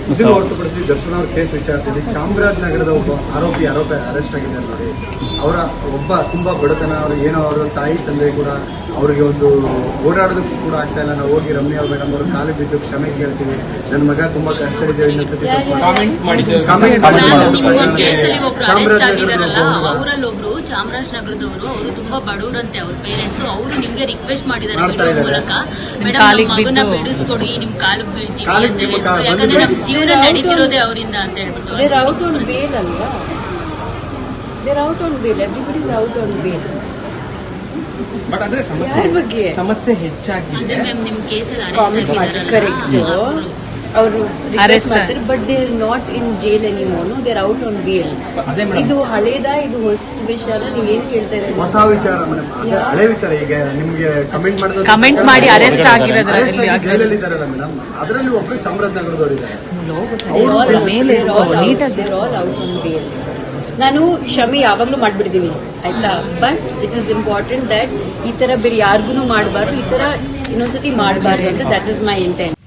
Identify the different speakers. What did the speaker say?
Speaker 1: ಇದನ್ನು ಹೊರತುಪಡಿಸಿ ದರ್ಶನ್ ಅವ್ರ ಕೇಸ್ ವಿಚಾರದಲ್ಲಿ ಚಾಮರಾಜನಗರದ ಒಬ್ಬ ಆರೋಪಿ ಅರೆಸ್ಟ್ ಆಗಿದ್ದಾರೆ ನೋಡಿ. ಅವರ ಒಬ್ಬ ತುಂಬಾ ಬಡತನ, ಅವರು ಏನೋ ಅವರ ತಾಯಿ ತಂದೆ ಕೂಡ ಅವರಿಗೆ ಒಂದು ಓಡಾಡೋದಕ್ಕೂ ಕೂಡ ಆಗ್ತಾ ಇಲ್ಲ. ನಾವು ಹೋಗಿ ರಮ್ಯಾ ಮೇಡಮ್ ಅವರು ಕಾಲು ಬಿದ್ದು ಕ್ಷಮೆ ಕೇಳ್ತೀವಿ, ನನ್ನ ಮಗ ತುಂಬಾ ಕಷ್ಟ ಇದೆ, ಇನ್ನೊಂದ್ಸತಿ
Speaker 2: ಅವರಲ್ಲೊಬ್ರು ಚಾಮರಾಜನಗರದವರು, ಅವರು ತುಂಬಾ ಬಡವರಂತೆ, ಅವ್ರ ಪೇರೆಂಟ್ಸ್, ಅವರು ನಿಮ್ಗೆ ರಿಕ್ವೆಸ್ಟ್ ಮಾಡಿದ್ದಾರೆ ವಿಡಿಯೋ ಮೂಲಕ, ಮೇಡಮ್ ನಮ್ಮ ಮಗನ ಬಿಡಿಸ್ಕೊಡಿ, ನಿಮ್ ಕಾಲಿಗೆ ಬೀಳ್ತೀವಿ ಅಂತ ಹೇಳ್ಬಿಟ್ಟು, ಯಾಕಂದ್ರೆ ನಮ್ ಜೀವನ ನಡೀತಿರೋದೇ ಅವರಿಂದ ಅಂತ ಹೇಳ್ಬಿಟ್ಟು.
Speaker 3: They're out on bail. Everybody is out on bail.
Speaker 4: But ಅಂದ್ರೆ ಸಮಸ್ಯೆ ಹೆಚ್ಚಾಗಿದೆ.
Speaker 2: ಅದೇ ಮ್ಯಾಮ್ ನಿಮ್ ಕೇಸಲ್ಲಿ ಅರೆಸ್ಟ್
Speaker 3: ಕರೆಕ್ಟ್ ಅವರು ಅರೆಸ್ಟ್ ಮಾಡ್ತಾರೆ, but they are not in jail anymore. No, they are out on bail. ಇದು ಹಳೇದ, ಇದು ಹೊಸ ವಿಚಾರ, ನೀವೇನ್ ಕೇಳ್ತಾ ಇದ್ದೀರಾ?
Speaker 1: ಹೊಸ ವಿಚಾರ ಮೇಡಮ್, ಹಳೆ ವಿಚಾರ. ಈಗ ನಿಮ್ಗೆ
Speaker 5: ಕಮೆಂಟ್ ಮಾಡಿ ಅರೆಸ್ಟ್ ಆಗಿರೋದ್ರಲ್ಲಿ
Speaker 1: ಇದ್ದಾರಲ್ಲ ಮೇಡಮ್, ಅದರಲ್ಲಿ ಒಬ್ರು ಚಾಮರಾಜನಗರದವರು ಇದ್ದಾರೆ.
Speaker 3: ನಾನು ಕ್ಷಮೆ ಯಾವಾಗ್ಲೂ ಮಾಡ್ಬಿಡ್ತೀನಿ ಆಯ್ತಾ, but it is important that ಈ ತರ ಬೇರೆ ಯಾರಿಗೂ ಮಾಡಬಾರ್ದು, ಈ ತರ ಇನ್ನೊಂದ್ಸತಿ ಮಾಡಬಾರ್ದು ಅಂತ, ದಟ್ ಇಸ್ ಮೈ ಇಂಟೆಂಟ್.